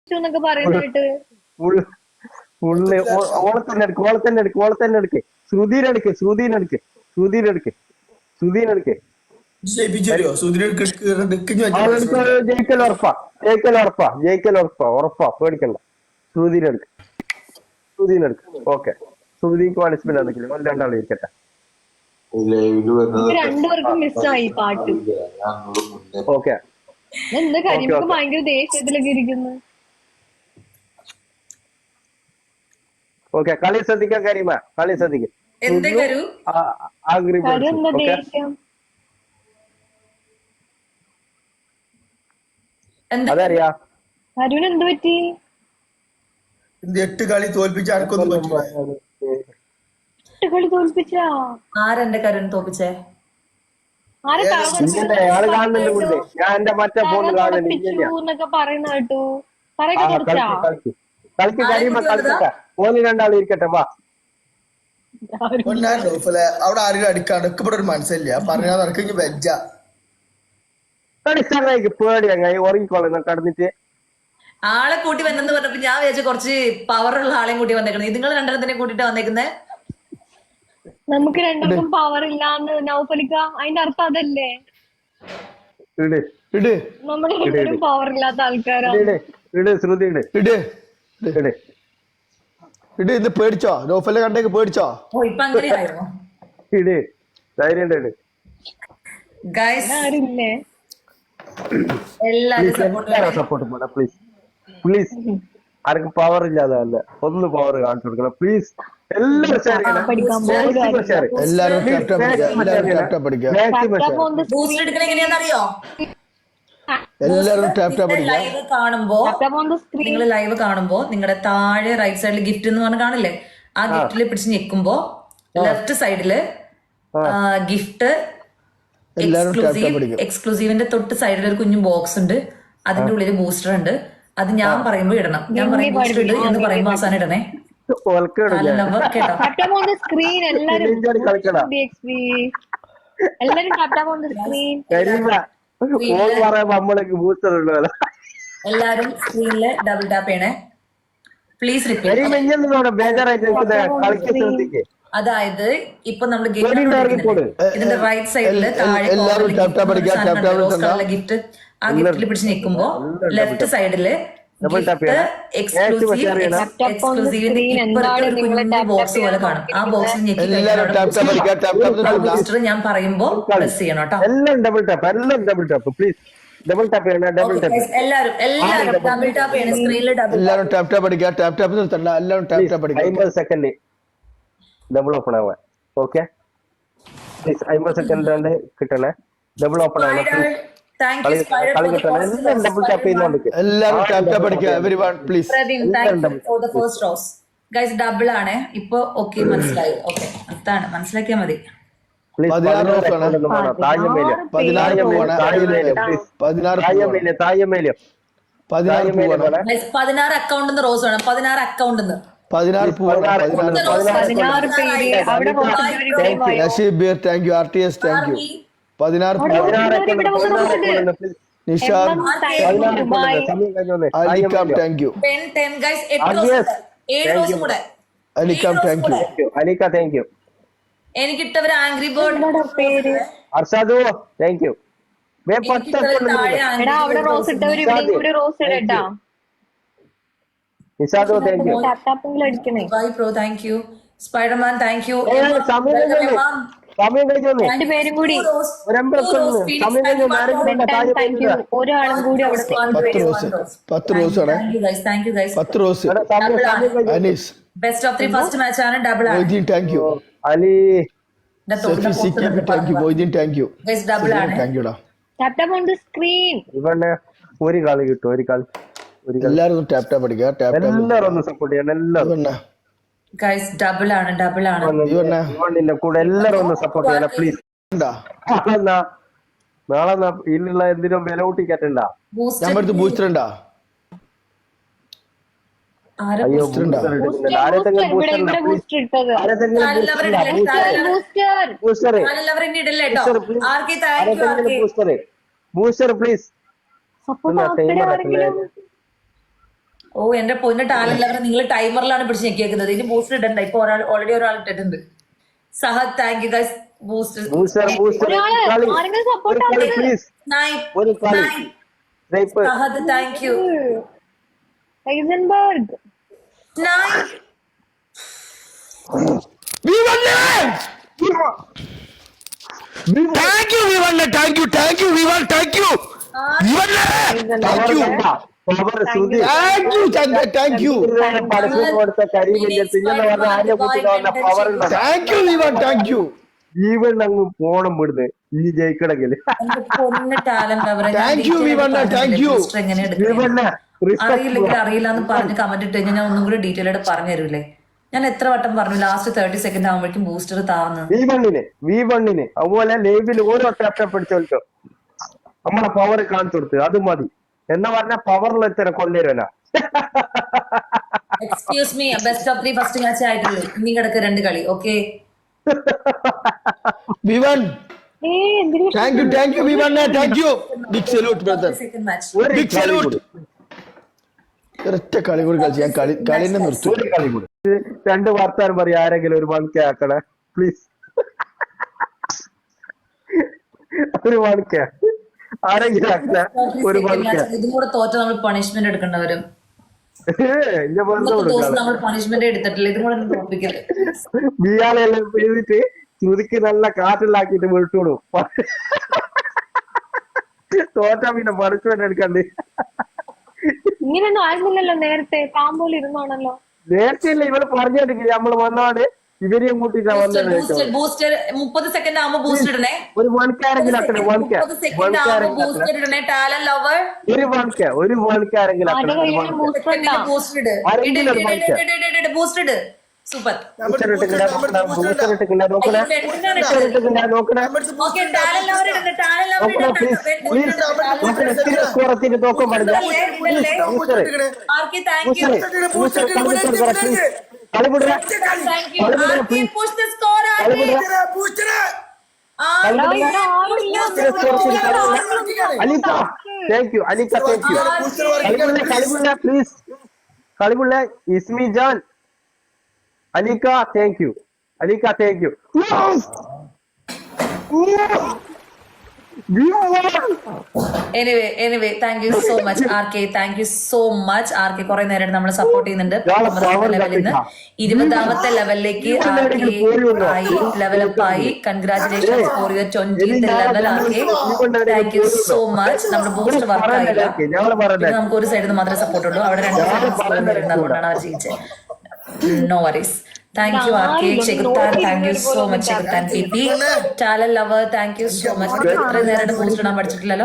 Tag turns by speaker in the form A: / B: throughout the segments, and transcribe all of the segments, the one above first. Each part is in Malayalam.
A: എന്നൊക്കെ പറയുന്നതായിട്ട്
B: ഓളെ തന്നെ എടുക്ക് ശ്രുതിനെടുക്ക് ഉറപ്പാ പേടിക്കണ്ട ശ്രുതിനെടുക്ക് ഓക്കെ ശ്രുതിക്ക് പണിഷ്മെന്റ് എന്തെങ്കിലും രണ്ടാളും ഇരിക്കട്ടെ
A: രണ്ടുപേർക്കും മിസ്സായി പാട്ട്
B: ഓക്കെ
A: എന്താ കരിമക്ക് ഭയങ്കര ദേഷ്യത്തിലൊക്കെ ഇരിക്കുന്നു
B: ഓക്കെ കളി ശ്രദ്ധിക്കാൻ കരീമ കളി ശ്രദ്ധിക്കും അതറിയാ
A: കരുവിന് എന്ത് പറ്റി
C: 8 കളി തോൽപ്പിച്ച ആർക്കൊന്നും പറ്റില്ല
A: 8 കളി തോൽപ്പിച്ചാ
D: ആരെന്റെ കരുവിന് തോൽപ്പിച്ചേ
B: ഞാൻ എന്റെ മറ്റേ ഫോൺ
A: എന്നൊക്കെ പറയുന്ന കേട്ടു
B: കളിക്ക് കരീമ കളിക്കട്ടെ ഓന് രണ്ടാളും ഇരിക്കട്ടെ വാ
C: അവിടെ ആരും അടുക്കപ്പെടെ ഒരു മനസ്സില്ല പറഞ്ഞാൽ നടക്കെങ്കിൽ വെജ
B: പേടിയങ്ങായി ഉറങ്ങിക്കോളാം കടന്നിട്ട്
D: ആളെ കൂട്ടി വന്നെന്ന് പറഞ്ഞപ്പോ ഞാൻ വിചാരിച്ചു കുറച്ച് പവറുള്ള ആളെയും കൂട്ടി വന്നേക്കുന്നത് നിങ്ങൾ രണ്ടെണ്ണത്തിനെ കൂട്ടിട്ട് വന്നേക്കുന്നേ
A: നമുക്ക് രണ്ടുപേർക്കും പവർ ഇല്ലാന്ന് നൗഫലിക്ക അതിന്റെ അർത്ഥം അതല്ലേ നമ്മുടെ രണ്ടുപേരും പവർ ഇല്ലാത്ത ആൾക്കാരാണ്
E: ഇത് പേടിച്ചോ നൗഫലിനെ കണ്ടേക്ക് പേടിച്ചോ
D: ഇപ്പൊ അങ്ങനെയായിരുന്നു എല്ലാരും
B: സപ്പോർട്ട് പ്ലീസ് പ്ലീസ് ആർക്കും പവർ ഇല്ലാതല്ല ഒന്ന് പവർ കാണിച്ചു കൊടുക്കണം പ്ലീസ്
D: നിങ്ങൾ ലൈവ് കാണുമ്പോ നിങ്ങളുടെ താഴെ റൈറ്റ് സൈഡിൽ ഗിഫ്റ്റ് എന്ന് പറഞ്ഞ് കാണില്ലേ ആ ഗിഫ്റ്റിൽ പിടിച്ച് ഞെക്കുമ്പോ ലെഫ്റ്റ് സൈഡില് ഗിഫ്റ്റ് എക്സ്ക്ലൂസീവിന്റെ തൊട്ട് സൈഡിൽ ഒരു കുഞ്ഞു ബോക്സ് ഉണ്ട് അതിന്റെ ഉള്ളിൽ ബൂസ്റ്റർ ഉണ്ട് അത് ഞാൻ പറയുമ്പോ ഇടണം ഞാൻ പറയും ബൂസ്റ്റർ ഇട് എന്ന് പറയുമ്പോ അവസാനം ഇടണേ
A: സ്ക്രീൻ
D: എല്ലാരും സ്ക്രീനില് ഡബിൾ ടാപ്പ് ചെയ്യണേ പ്ലീസ് റിപ്പീറ്റ്. അതായത് ഇപ്പൊ നമ്മള് ഇതിന്റെ റൈറ്റ് സൈഡില് താഴെ ഗിഫ്റ്റ് ആ ഗിഫ്റ്റിൽ പിടിച്ച് നിൽക്കുമ്പോ ലെഫ്റ്റ് സൈഡില് ബോക്സ് പോലെ കാണും ആ ബോക്സിൽ ബൂസ്റ്റർ ഞാൻ പറയുമ്പോ പ്രസ് ചെയ്യണം കേട്ടോ. എല്ലാരും ഡബിൾ ടാപ്പ് ചെയ്യണം സ്ക്രീനിൽ
E: എല്ലാരും ടാപ്പ് ടാപ്പ് അടിക്കുക ടാപ്പ് ടാപ്പ് നിർത്തണ്ട എല്ലാരും ടാപ്പ് ടാപ്പ് അടിക്കുക
B: 50 സെക്കൻഡ് ഡബിൾ ഓപ്പൺ ആവാൻ ഓക്കെ 50 സെക്കൻഡ് കിട്ടണേ ഡബിൾ ഓപ്പൺ ആവാൻ ഡബിൾ ടാപ്പ് ചെയ്യുന്നുണ്ട്
E: എല്ലാരും ടാപ്പ് ടാപ്പ് അടിക്കുക എവരിവൺ പ്ലീസ്
D: ഗൈസ് ഡബിൾ ആണ് ഇപ്പൊ ഓക്കെ മനസ്സിലായി ഓക്കെ അതാണ് മനസ്സിലാക്കിയാ മതി
E: 16
D: അക്കൗണ്ട് റോസ് വേണം 16 account
E: 16 thank you RTS thank you 16 Nishad അലിക്കാം താങ്ക് യു അലിക്കാം thank you
B: Alikka thank you
D: എനിക്കിട്ടവര് angry bird
B: Arshad thank you Nishad thank you
D: bye pro thank you Spiderman thank you
B: സമയം കഴിഞ്ഞു
A: രണ്ടുപേരും കൂടി ഒരാളും കൂടി അവിടെ
E: 10 റോസ് ആണ് 10 rose Anees
D: best of 3 first match ആണ് ഡബിൾ ആണ്
E: thank you
B: Ali
E: thank you Moideen thank you
D: guys double ആണ്
E: താങ്ക് യുടാ
A: tap tap on the screen
B: ഇവനെ ഒരു കളി കിട്ടും ഒരു കളി
E: എല്ലാരും ടാപ്പ് ടാപ്പ് അടിക്കുക ടാപ്പ് ടാപ്പ്
B: എല്ലാരും ഒന്ന് സപ്പോർട്ട് ചെയ്യണം എല്ലാരും
D: ഗയ്സ് ഡബിൾ ആണ്
B: ഇവന്റെ കൂടെ എല്ലാരും ഒന്ന് സപ്പോർട്ട് ചെയ്യണം പ്ലീസ് നാളെ ഇതിലുള്ള എന്തിനും വില കൂട്ടിക്കറ്റണ്ടാ
E: നമ്മുടെ ബൂസ്റ്റർ ഉണ്ടാ
B: ബൂസ്റ്റർ പ്ലീസ്
D: ഓ എന്റെ പൊന്ന ടാലന്റ് ലെവൽ നിങ്ങൾ ടൈമറിലാണ് പിടിച്ച് ഞെക്കിയേക്കുന്നത്. ഇനി ബൂസ്റ്റർ ഇടണ്ട. ഇപ്പൊ ഓൾറെഡി ഒരാൾ ഇട്ടിട്ടുണ്ട്. Sahad thank you guys. Booster
A: ആരെങ്കിലും സപ്പോർട്ട്
B: പ്ലീസ് ഒരു കളി
D: Sahad thank you.
A: Heisenberg
E: We won it! Thank you, we won it. Thank you, thank you, we won. Thank you. We won it. Thank you. Thank you, Chandra. Thank you. Thank you, we won. Thank you.
B: ജീവൻ അങ്ങ് പോണം വിടുന്നത് ഈ ജയിക്കണമെങ്കിൽ.
D: പൊന്ന ടാലന്റ് അവരെ
E: Thank you, we won it. Thank you.
D: എങ്ങനെ അറിയില്ലെങ്കിൽ അറിയില്ല എന്ന് പറഞ്ഞ് കമന്റ് ഇട്ട് കഴിഞ്ഞാൽ ഞാൻ ഒന്നും കൂടി ഡീറ്റെയിൽ ആയിട്ട് പറഞ്ഞു തരൂലേ. ഞാൻ എത്ര വട്ടം പറഞ്ഞു ലാസ്റ്റ് 30 സെക്കൻഡ് ആകുമ്പോഴേക്കും ബൂസ്റ്റർ താന്ന്.
B: V1 അതുപോലെ ലൈവിൽ ഓരോ ടാപ്പ് പിടിച്ചോളിച്ചോ നമ്മളെ പവർ കാണിച്ചു കൊടുത്ത് അത് മതി എന്നാ പറഞ്ഞ പവറിൽ എത്ര കൊണ്ടുവരുവനാ.
D: Excuse me, best of 3 first match ആയിട്ടുള്ളൂ. ഇനി കിടക്ക് 2 കളി. Okay
E: We won. Thank you, thank you, we won it. Thank you. Big salute, brother.
D: Second match.
E: Big salute. ഒരൊറ്റ കളി കൂടി കളിച്ച് ഞാൻ കളിനെ നിർത്തും.
B: ഒരു കളി കൂടി 2 വർത്താനം പറയാ. ആരെങ്കിലും ഒരു മണിക്ക് ആക്കണേ പ്ലീസ്. ഒരു മണിക്ക ആരെങ്കിലും ആക്കണേ ഒരു മണിക്ക.
D: ഇതും കൂടെ തോറ്റ നമ്മൾ പണിഷ്മെന്റ് എടുക്കേണ്ടവരും.
B: എന്റെ ബന്ധം
D: നമ്മൾ പണിഷ്മെന്റ് എടുത്തിട്ടില്ല. ഇതും കൂടെ തോപ്പിക്കല്.
B: ബിയാളെല്ലാം ചെയ്തിട്ട് ചുരുക്കി നല്ല കാറ്റിലാക്കിട്ട് വിളിച്ചോളൂ. തോറ്റാ പിന്നെ പണിഷ്മെന്റ് എടുക്കണ്ടേ.
A: ഇങ്ങനെയൊന്നും ആയിരുന്നില്ലല്ലോ നേരത്തെ. പാമ്പോല് ഇരുന്നാണല്ലോ
B: നേരത്തെ ഇല്ല ഇവള് പറഞ്ഞിട്ടില്ല. നമ്മള് വന്നാണ് ഇവരെയും കൂട്ടിട്ടാ വന്നത്.
D: ബൂസ്റ്റർ 30 സെക്കൻഡ് ആകുമ്പോ ബൂസ്റ്റർ ഇടണേ.
B: ഒരു മണിക്കാരെങ്കിലും ആക്കണേ.
D: 30 സെക്കൻഡ് ആകുമ്പോ ബൂസ്റ്റർ ഇടണേ. ടാലന്റ് ലവർ
B: ഒരു മണിക്കാരെങ്കിലും ആക്കണേ.
D: ബൂസ്റ്റർ ഇട്. ബൂസ്റ്റർ ഇട്. സൂപ്പർ.
B: നോക്കണേ
D: ഓക്കെ ടാലന്റ് ലവർ ഇടണേ. ടാലന്റ് ലവർ
B: നോക്കാൻ പാടില്ല.
D: Archie thank you.
B: കളിപിടുക
D: thank you. Archie push the score. Archie
B: Alikka thank you. Alikka thank you. കളിപിള്ള പ്ലീസ്. കളിപിള്ള ഇസ്മി ജാൻ. Alikka thank you. Alikka thank you.
D: Anyway thank you so much Archie. Thank you so much Archie. കുറെ നേരം നമ്മൾ സപ്പോർട്ട് ചെയ്യുന്നുണ്ട്. ലെവലിൽ നിന്ന് 20ാമത്തെ ലെവലിലേക്ക് ലെവലപ്പ് ആയി. Congratulations for your 20th level RK. Thank you so much. നമ്മുടെ ബൂസ്റ്റർ വർക്ക് ആയില്ല. നമുക്ക് ഒരു സൈഡിൽ നിന്ന് മാത്രമേ സപ്പോർട്ട് ഉള്ളൂ. അവിടെ 2 സൈഡ് വരുന്നത്. അതുകൊണ്ടാണ് അവർ ജയിച്ചത്. No worries. Thank you RK. Chekutan, thank you so much. Chekutan PP. Talent lover, thank you so much. ഇത്ര നേരം ബൂസ്റ്റ് ഇടാൻ പഠിച്ചിട്ടില്ലല്ലോ.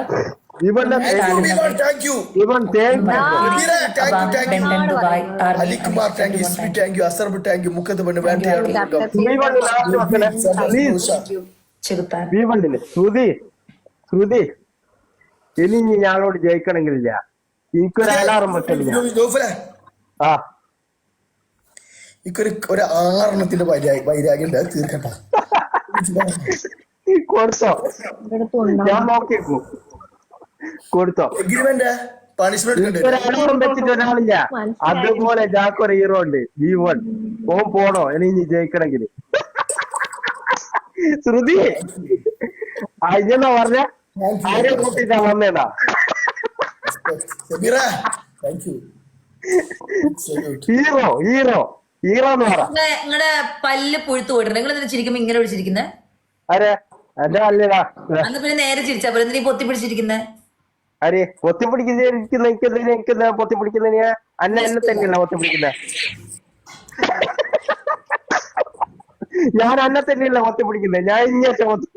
B: ശ്രുതി ഇനി ഞങ്ങളോട് ജയിക്കണമെങ്കിലില്ല. എനിക്കൊരു അലാറം വെക്കലില്ല. ആ
C: ഒരു 6 വൈരാഗ്യം ഉണ്ട്. തീർക്കട്ട
B: കൊടുത്തോ. ഞാൻ നോക്കിയേക്കൂ. കൊടുത്തോ.
C: എഗ്രിമെന്റ് പണിഷ്മെന്റ്
B: ഒരലാറം വെച്ചിട്ട് ഒരാളില്ല. അതുപോലെ ജാക്കൊരു ഹീറോ ഉണ്ട്. V1 ഓൻ പോണോ ഇനി ജയിക്കണമെങ്കിൽ. ശ്രുതി അയ്യെന്നാ പറഞ്ഞ ആരെ കൂട്ടിട്ടാ വന്നേടാ. ഹീറോ എന്ന് പറ.
D: നിങ്ങളുടെ പല്ല് പുഴുത്തു പോയിട്ടുണ്ട്. നിങ്ങൾ എന്തിനാ ചിരിക്കുമ്പോ ഇങ്ങനെ പിടിച്ചിരിക്കുന്നത്?
B: അരെ എന്റെ അല്ലടാ.
D: അന്ന് പിന്നെ നേരെ ചിരിച്ചാ പോലെ. എന്തിനാ പൊത്തി പിടിച്ചിരിക്കുന്നത്?
B: അരെ പൊത്തി പിടിക്കുന്ന പൊത്തി പിടിക്കുന്ന എന്നെ തന്നെയല്ല പൊത്തി പിടിക്കുന്ന. ഞാൻ അന്നെ തന്നെയല്ല പൊത്തി പിടിക്കുന്നത്. ഞാൻ ഇങ്ങോട്ട് പൊത്തി.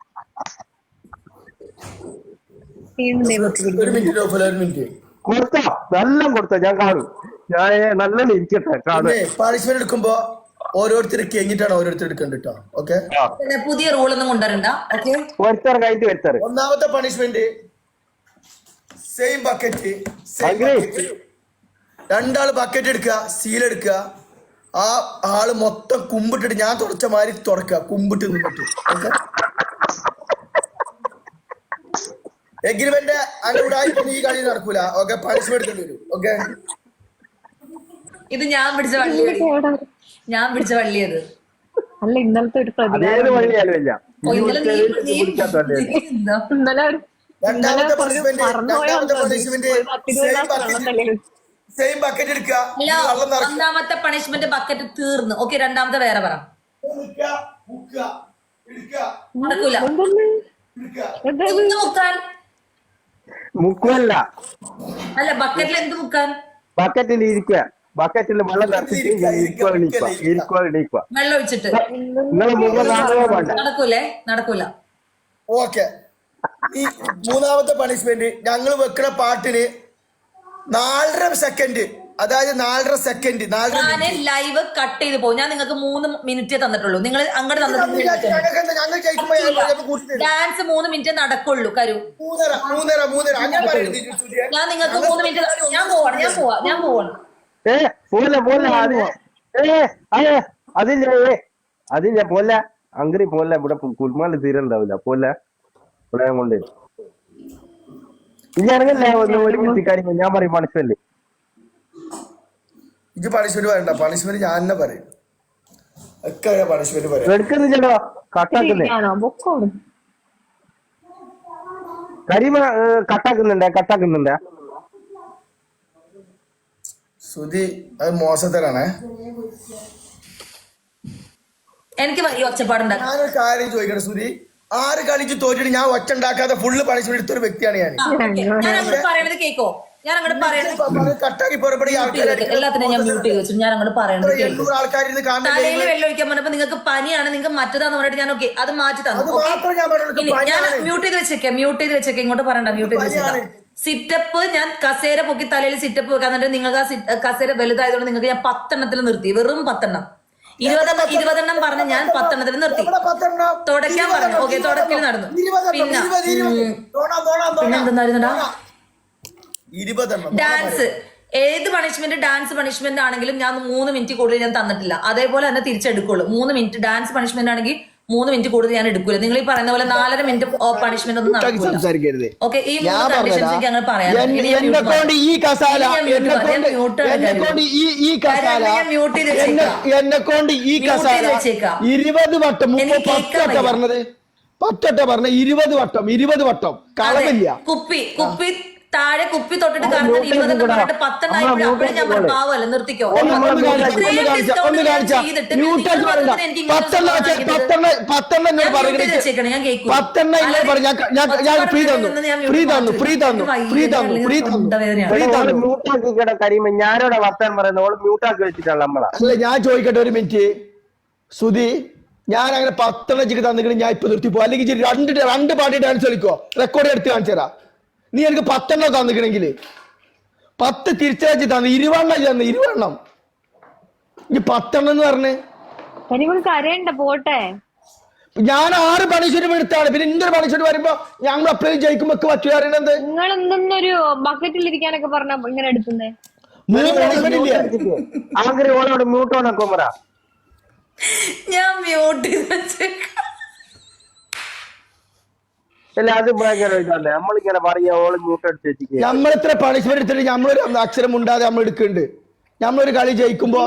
B: കൊടുത്തോ നല്ല കൊടുത്തോ. ഞാൻ കാണും. ഞാൻ നല്ല ഇരിക്കട്ടെ കാണും.
C: പണിഷ്മെന്റ് എടുക്കുമ്പോ ഓരോരുത്തർ കഴിഞ്ഞിട്ടാണ് ഓരോരുത്തർ എടുക്കേണ്ടത്. ഓക്കെ
D: പുതിയ റൂളൊന്നും കൊണ്ടുവരണ്ട. ഓക്കെ
B: വരുത്താറ് കഴിഞ്ഞിട്ട് വരുത്താറ്.
C: ഒന്നാമത്തെ പണിഷ്മെന്റ് സെയിം ബക്കറ്റ്. 2 ആള് ബക്കറ്റ് എടുക്കുക, സീൽ എടുക്കുക. ആ ആള് മൊത്തം കുമ്പിട്ടിട്ട് ഞാൻ തുടച്ച മാതിരി തുടക്കുക. കുമ്പിട്ട് നിന്നിട്ട്. ഓക്കെ എഗ്രിമെന്റ് അങ്ങോട്ടായി ഈ കളി നടക്കൂല. ഓക്കെ പണിഷ്മെന്റ് എടുക്കേണ്ടി വരും. ഓക്കെ
D: ഇത് ഞാൻ പിടിച്ച വള്ളിയാണ്. ഞാൻ പിടിച്ച വള്ളിയത്.
A: അല്ല ഇന്നലത്തെ ഒരു
B: അതേത് വഴിയാലും ഇല്ല
D: ഓ, ഇന്നലെ നീ എന്താ?
A: ഇന്നലെ ഒരു
C: രണ്ടാമത്തെ പണിഷ്മെന്റ് സെയിം ബക്കറ്റ് എടുക്കുക,
D: അല്ല,
C: വെള്ളം നിറയ്ക്കുക.
D: ഒന്നാമത്തെ പണിഷ്മെന്റ് ബക്കറ്റ് തീർന്നു. ഓക്കെ, രണ്ടാമത്തെ വേറെ പറ. നടക്കൂല. എന്ത് മുക്കാൻ?
B: മുക്കുവല്ല,
D: അല്ല, ബക്കറ്റിൽ എന്ത് മുക്കാൻ?
B: ബക്കറ്റിൽ ഇരിക്കുക, ബക്കറ്റിൽ വെള്ളം നിറച്ചിട്ട് ഇരിക്കുക
D: വെള്ളം ഒഴിച്ചിട്ട്
B: നിങ്ങളെ മുഖം കാണുകയോ വേണ്ട.
D: നടക്കൂലേ? നടക്കൂല.
C: ഓക്കെ, ഈ മൂന്നാമത്തെ പണിഷ്മെന്റ് ഞങ്ങൾ വെക്കുന്ന പാട്ടിന് 4.5 സെക്കൻഡ്, അതായത് 4.5 സെക്കൻഡ്
D: ഞാന് ലൈവ് കട്ട് ചെയ്ത് പോകും. ഞാൻ നിങ്ങൾക്ക് 3 മിനിറ്റേ തന്നിട്ടുള്ളൂ. നിങ്ങൾ അങ്ങോട്ട്
C: ഞങ്ങൾ ജയിക്കുമ്പോ
D: ഡാൻസ് 3 മിനിറ്റേ നടക്കുള്ളൂ. കരു
C: 3.5 അങ്ങനെ പറയരുത്.
D: ഞാൻ നിങ്ങൾക്ക് 3 മിനിറ്റ്. ഞാൻ പോവാണ്.
B: പോലെ അതില്ല പോലെ അങ്കറി പോലെ ഇവിടെ കുൽമാല് തീരണ്ടാവില്ല പോലെ ഇവിടെ കൊണ്ട് ഇനി ഇറങ്ങല്ലേ ഒരു മിനിറ്റ് കാര്യം ഞാൻ പറയും പണിഷ്മെന്റ്.
C: ഇത് പണിഷ്മെന്റ് പറയണ്ട, പണിഷ്മെന്റ് ഞാൻ തന്നെ പറയും. ഒക്കെ പണിഷ്മെന്റ് പറയാം.
B: എടുക്കുന്നില്ലല്ലോ, കട്ടാക്കുന്നേ കരിമ കട്ടാക്കുന്നുണ്ട്.
C: സുധി അത് മോശത്തരാണേ.
D: എനിക്ക് ഈ ഒച്ചപ്പാടുണ്ടാകും.
C: ഞാനൊരു കാര്യം ചോദിക്കട്ടെ സുധി, 6 കളിച്ച് തോറ്റിട്ട് ഞാൻ ഒച്ച ഉണ്ടാക്കാതെ ഫുള്ള് പണിഷ്മെന്റ് എടുത്തൊരു വ്യക്തിയാണ് ഞാൻ.
D: ഞാൻ അങ്ങോട്ട് പറയണത് കേക്കോ? ഞാൻ അങ്ങോട്ട് പറയണത്
C: കട്ടാക്കി പുറപ്പെടുക
D: എല്ലാത്തിനും ഞാൻ മ്യൂട്ട് ചെയ്ത് വെച്ചു. ഞാൻ അങ്ങോട്ട് പറയണത് കേൾക്കും.
C: 800 ആൾക്കാരിന്ന് കാണുന്നത്
D: തലയിൽ വെള്ളം ഒഴിക്കാൻ പറഞ്ഞപ്പോ നിങ്ങൾക്ക് പനിയാണ്, നിങ്ങൾക്ക് മറ്റേതാന്ന് പറഞ്ഞിട്ട് ഞാൻ ഓക്കെ അത് മാറ്റി തന്നു. ഞാൻ മ്യൂട്ട് ചെയ്ത് വെച്ചേക്കാം. ഇങ്ങോട്ട് പറയണ്ട, മ്യൂട്ട് ചെയ്ത് വെച്ചേക്കാം. സിറ്റപ്പ് ഞാൻ കസേര പൊക്കി തലയിൽ സിറ്റപ്പ് വെക്കാൻ എന്നിട്ട് നിങ്ങൾക്ക് ആ കസേര വലുതായതുകൊണ്ട് നിങ്ങൾക്ക് ഞാൻ 10 എണ്ണത്തിൽ നിർത്തി. വെറും 10 എണ്ണം. 20 എണ്ണം പറഞ്ഞ് ഞാൻ 10 എണ്ണത്തിൽ നിർത്തി. തുടയ്ക്കാൻ പറഞ്ഞു. ഓക്കെ, തുടക്കൽ നടന്നു. പിന്നെ എന്തെന്നായിരുന്നടാ? ഡാൻസ്. ഏത് പണിഷ്മെന്റ് ഡാൻസ് പണിഷ്മെന്റ് ആണെങ്കിലും ഞാൻ 3 മിനിറ്റ് കൂടുതൽ ഞാൻ തന്നിട്ടില്ല. അതേപോലെ തന്നെ തിരിച്ചെടുക്കുള്ളൂ. 3 മിനിറ്റ് ഡാൻസ് പണിഷ്മെന്റ് ആണെങ്കിൽ 3 മിനിറ്റ് കൂടുതൽ ഞാൻ എടുക്കൂല. നിങ്ങൾ ഈ പറയുന്ന പോലെ 4.5 മിനിറ്റ് പണിഷ്മെന്റ് ഒന്നും നടക്കില്ല. ഓക്കെ, ഈ 3 കണ്ടീഷൻസ് എനിക്ക് അങ്ങനെ പറയാം.
E: എന്നെ കൊണ്ട് ഈ കസാല 20 വട്ടം 10 പറഞ്ഞത് 20 വട്ടം കളവില്ല.
D: കുപ്പി താഴെ കുപ്പി തൊട്ടിട്ട് കറങ്ങാൻ 20 എണ്ണം പറഞ്ഞിട്ട് 10 എണ്ണായപ്പോഴും അപ്പോഴും ഞാൻ പാവല്ല, നിർത്തിക്കോ.
B: ഞാനോടെ വർത്താൻ പറയുന്നത് ഓള് മ്യൂട്ടാക്കി വെച്ചിട്ടാണ് നമ്മളെ.
E: അല്ല, ഞാൻ ചോദിക്കട്ടെ ഒരു മിനിറ്റ് സുധി, ഞാൻ അങ്ങനെ 10 എണ്ണച്ചിക്ക് തന്നിട്ട് ഞാൻ ഇപ്പൊ നിർത്തി പോകും. അല്ലെങ്കിൽ രണ്ട് പാട്ടി ഡാൻസ് കളിക്കോ, റെക്കോർഡ് എടുത്ത് കാണിച്ചു തരാം. നീ എനിക്ക് 10 എണ്ണം തന്നിക്കണെങ്കിൽ 10 തിരിച്ചയച്ച് തന്നു. 20 എണ്ണം ഈ 10 എണ്ണം എന്ന് പറഞ്ഞ്
A: കരയണ്ട പോട്ടെ.
E: ഞാൻ 6 പണിഷ്മെന്റ് എടുത്താണ്. പിന്നെ ഇന്നൊരു പണിഷ്മെന്റ് വരുമ്പോ ഞങ്ങൾ അപ്പഴേ ജയിക്കുമ്പോ പറ്റു അറിയണത്.
A: നിങ്ങൾ എന്തെന്നൊരു ബക്കറ്റിൽ ഇരിക്കാനൊക്കെ പറഞ്ഞ ഇങ്ങനെ എടുക്കുന്നേ.
E: 3 പണിഷ്മെന്റ് ഇല്ലേ?
B: ആങ്കറി ഓളോട് മ്യൂട്ടോണൊക്കെ പറ.
D: ഞാൻ മ്യൂട്ട് ചെയ്ത് വെച്ചേക്കാം.
B: അല്ല, അത് ഭയങ്കര നമ്മളിങ്ങനെ പറയാ ഓള് മ്യൂട്ട് അടിച്ച് വെച്ചിട്ട്
E: നമ്മൾ ഇത്ര പണിഷ്മെന്റ് എടുത്തിട്ട് നമ്മളൊരു അക്ഷരം ഉണ്ടാതെ നമ്മൾ എടുക്കുന്നുണ്ട്. നമ്മളൊരു കളി ജയിക്കുമ്പോ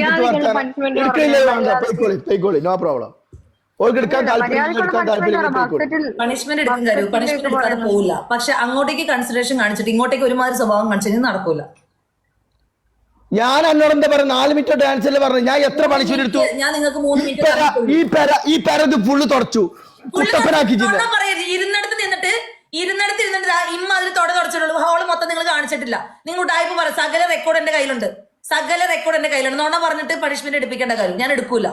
E: പോയിക്കോളി, നോ പ്രോബ്ലം. ഓൾക്ക് എടുക്കാൻ
D: പണിഷ്മെന്റ് എടുക്കാൻ കഴിയും. പണിഷ്മെന്റ് എടുക്കാതെ പോവില്ല. പക്ഷെ അങ്ങോട്ടേക്ക് കൺസിഡറേഷൻ കാണിച്ചിട്ട് ഇങ്ങോട്ടേക്ക് ഒരുമാതിരി സ്വഭാവം കാണിച്ചു നടക്കൂല.
E: ഞാൻ എന്നോട് എന്താ പറയാ 4 മിനിറ്റ് ഡാൻസ് അല്ലേ പറഞ്ഞു. ഞാൻ എത്ര പണിഷ്മെന്റ് എടുത്തു?
D: ഞാൻ നിങ്ങൾക്ക് 3 മിനിറ്റ്
E: ഈ പെര ഇത് ഫുള്ള് തുടച്ചു കുട്ടപ്പനാക്കി.
D: ഇരുന്നിടത്ത് നിന്നിട്ട് ഇമ്മാതിരി തുടച്ചിട്ടുള്ളൂ. ഹോള് മൊത്തം നിങ്ങൾ കാണിച്ചിട്ടില്ല. നിങ്ങൾ ടൈപ്പ് പറ. സകല റെക്കോർഡ് എന്റെ കയ്യിലുണ്ട്. നോണ പറഞ്ഞിട്ട് പണിഷ്മെന്റ് എടുപ്പിക്കേണ്ട കാര്യം ഞാൻ എടുക്കൂല.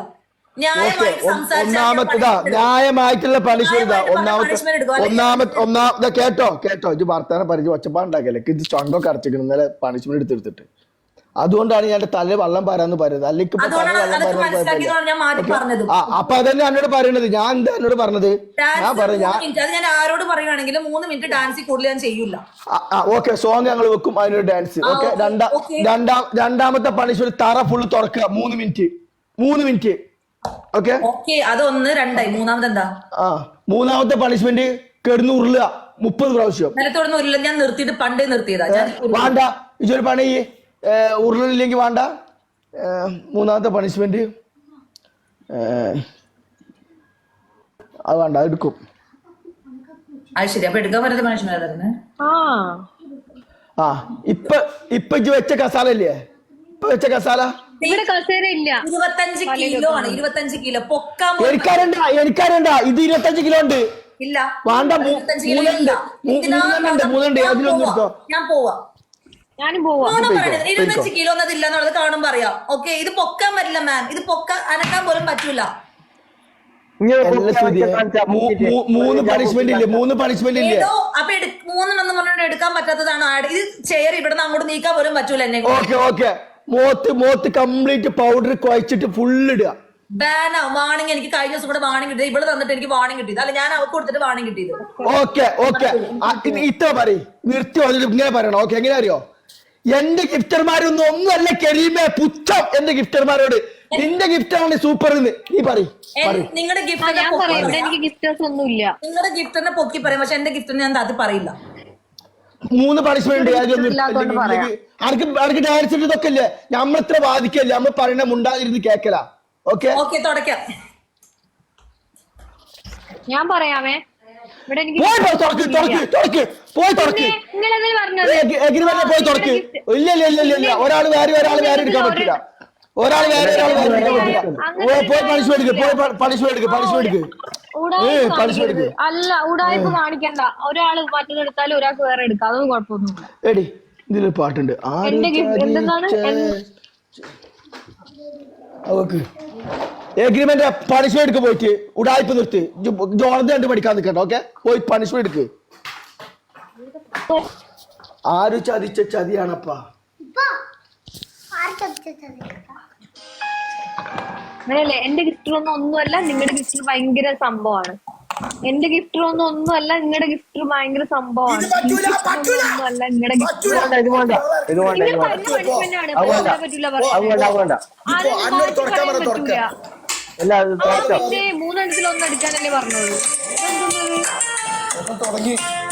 E: ന്യായമായിട്ടുള്ള പണിഷ്മെന്റ് ഒന്നാമത്തെ കേട്ടോ ഇത് വർത്താനം പരിചയം ഒച്ചപ്പാടുണ്ടാക്കല്ലേ. ഇത് ചണ്ടൊക്കെ അടച്ചിരിക്കണം ഇന്നലെ പണിഷ്മെന്റ് എടുത്തെടുത്തിട്ട്. അതുകൊണ്ടാണ് ഞാൻ തല വെള്ളം പാരാന്ന് പറയുന്നത്. അല്ലെങ്കിൽ അപ്പൊ അതന്നെ എന്നോട് പറയണത്. ഞാൻ എന്താ എന്നോട് പറഞ്ഞത്?
D: ഞാൻ ആരോട് പറയുവാണെങ്കിലും 3 മിനിറ്റ് ഡാൻസ് കൂടുതൽ ഞാൻ ചെയ്യൂല.
E: ഓക്കെ, സോങ് ഞങ്ങൾ വെക്കും, അതിനൊരു ഡാൻസ്. ഓക്കെ, രണ്ടാമത്തെ പണിഷ്മെന്റ് തറ ഫുള്ള് തുറക്കുക 3 മിനിറ്റ്. ഓക്കെ,
D: അതൊന്ന് 2 മൂന്നാമത് എന്താ?
E: മൂന്നാമത്തെ പണിഷ്മെന്റ് കിടന്ന് ഉരുളുക 30 പ്രാവശ്യം.
D: നിലത്തോടൊന്നും ഉരുള ഞാൻ നിർത്തിയിട്ട് പണ്ടേ നിർത്തിയതാ.
E: വേണ്ട, ഇതൊരു പണി ഉരുളില്ലെങ്കിൽ വേണ്ട. മൂന്നാമത്തെ പണിഷ്മെന്റ് അത് വേണ്ട അത് എടുക്കും.
D: അത് ശരി. അപ്പൊ എടുക്കാൻ പറ്റാത്ത പണിഷ്മെന്റ് തന്നെ.
A: ആ
E: ഇപ്പൊ ഇജ്ജ് വെച്ച കസാല ഇല്ലേ, ഇപ്പൊ വെച്ച കസാല
A: ഇവിടെ കസേര ഇല്ല.
D: 25 കിലോ ആണ്. 25 കിലോ പൊക്കാൻ
E: എനിക്കറിയണ്ട ഇത് 25 കിലോ ഉണ്ട്.
D: ഇല്ല
E: വേണ്ട
D: 25 കിലോ ഇല്ല.
E: മൂന്നുണ്ട് അതിലൊന്നും എടുത്തോ.
D: ഞാൻ പോവാ.
A: ഞാനും പോവാ.
D: 25 കിലോ എന്നതില്ല എന്നുള്ളത് കാണുമ്പോ അറിയാം. ഓക്കെ, ഇത് പൊക്കാൻ പറ്റില്ല മാം. ഇത് അനക്കാൻ പോലും പറ്റൂല.
E: മൂന്ന് പണിഷ്മെന്റ് ഇല്ലേ, 3 പണിഷ്മെന്റ് ഇല്ലേ.
D: ഏതോ അപ്പൊ 3 പറഞ്ഞിട്ട് എടുക്കാൻ പറ്റാത്തതാണ്. ഇത് ചെയർ ഇവിടെ നിന്ന് അങ്ങോട്ട് നീക്കാൻ പോലും പറ്റൂല എന്നെ.
E: ഓക്കെ മോത്ത് കംപ്ലീറ്റ് പൗഡർ കുഴച്ചിട്ട് ഫുള്ള് ഇടുക.
D: ബാനാ വാണിംഗ്. എനിക്ക് കഴിഞ്ഞ ദിവസം കൂടെ വാണിംഗ് കിട്ടിയത്. ഇവിടെ തന്നിട്ട് എനിക്ക് വാണിംഗ് കിട്ടിയത്. അല്ല, ഞാൻ അവർക്ക് കൊടുത്തിട്ട് വാണിംഗ് കിട്ടിയത്.
E: ഓക്കെ ഇത്ര പറയും നിർത്തി വന്നിട്ട് ഇങ്ങനെ പറയണം. ഓക്കെ, എങ്ങനെ അറിയോ, എന്റെ ഗിഫ്റ്റർമാരൊന്നും ഒന്നുമല്ല കരീമേ പുച്ഛം എന്റെ ഗിഫ്റ്റർമാരോട്. നിന്റെ ഗിഫ്റ്റാണ് സൂപ്പർ എന്ന് നീ പറയും.
D: നിങ്ങളുടെ
A: എനിക്ക് ഗിഫ്റ്റേഴ്സ് ഒന്നുമില്ല.
D: നിങ്ങളുടെ ഗിഫ്റ്ററിനെ പൊക്കി പറയും, പക്ഷെ എന്റെ ഗിഫ്റ്ററിനെ ഞാൻ അത് പറയില്ല.
E: 3 പണിഷ്മെന്റ് ആർക്ക് ഡയറക്റ്റ് ഇതൊക്കെ ഇല്ലേ, നമ്മളിത്ര ബാധിക്കല്ലേ, നമ്മൾ പറയണ മുണ്ടാതിരുന്ന് കേക്കല. ഓക്കെ
D: തുടക്കാം.
A: ഞാൻ പറയാമേ, ഇവിടെ എനിക്ക്
E: പോയി തുറക്ക്. ഇല്ല ഒരാള് വേറെ എടുക്കാൻ പറ്റില്ല. ഒരാൾ വേറെ പോയി പണിഷ്മെന്റ് എടുക്ക്.
A: അല്ല, ഉടായ്പ കാണിക്കണ്ട. ഒരാള് മറ്റേതെടുത്താലും ഒരാൾക്ക് വേറെ എടുക്കാം. അതൊന്നും കുഴപ്പമൊന്നുമില്ല.
E: എടി ഇതിലൊരു പാട്ടുണ്ട്, എഗ്രിമെന്റ് പണിഷ്മെന്റ് എടുക്ക്. പോയിട്ട് ഉടായ്പ നിർത്തി ജോർജ് കണ്ട് പഠിക്കാൻ നിൽക്കണ്ട. ഓക്കെ, പോയി പണിഷ്മെന്റ് എടുക്ക്. ആര് ചതിച്ച ചതിയാണപ്പാ.
A: അങ്ങനെയല്ലേ, എന്റെ ഗിഫ്റ്ററൊന്നും ഒന്നുമല്ല, നിങ്ങളുടെ ഗിഫ്റ്റർ ഭയങ്കര സംഭവമാണ്. എന്റെ ഗിഫ്റ്ററൊന്നും ഒന്നുമല്ല, നിങ്ങളുടെ ഗിഫ്റ്റർ ഭയങ്കര സംഭവമാണ്. ഒന്നുമല്ല, നിങ്ങളുടെ ഗിഫ്റ്റർ പറ്റൂല പറയാൻ. 3 എണ്ണത്തിൽ 1 എടുക്കാനല്ലേ പറഞ്ഞോളൂ.
C: തുടങ്ങി.